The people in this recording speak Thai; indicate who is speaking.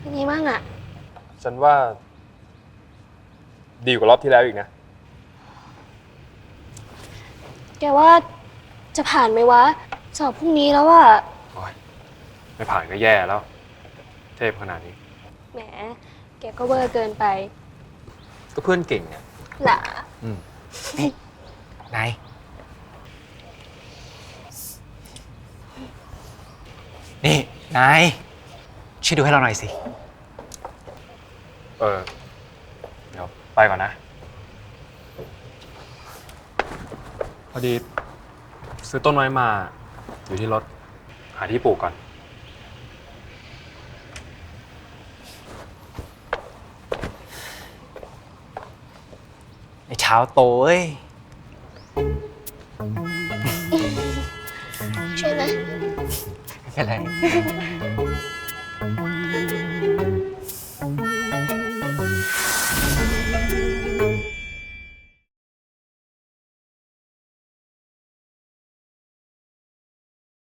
Speaker 1: เป็นไงบ้างอะ
Speaker 2: ฉันว่าดีกว่ารอบที่แล้วอีกนะ
Speaker 1: แกว่าจะผ่านไหมวะ สอบพรุ่งนี้แล้วอะ
Speaker 2: โอ๊ยไม่ผ่านก็แย่แล้ว เทพขนาดนี้
Speaker 1: แหม แกก็เวอร์เกินไป
Speaker 2: ก็เพื่อนเก่งเนี่ย
Speaker 1: หล่ะ
Speaker 3: นายนี่นายช่วยดูให้เราหน่อยสิ
Speaker 2: เดี๋ยวไปก่อนนะ พอดีซื้อต้นไม้มาอยู่ที่รถ หาที่ปลูกก่อน
Speaker 3: ไอ้เช้าโตเอ้ย
Speaker 1: ช่วยไหม
Speaker 3: ไม่เป็นไร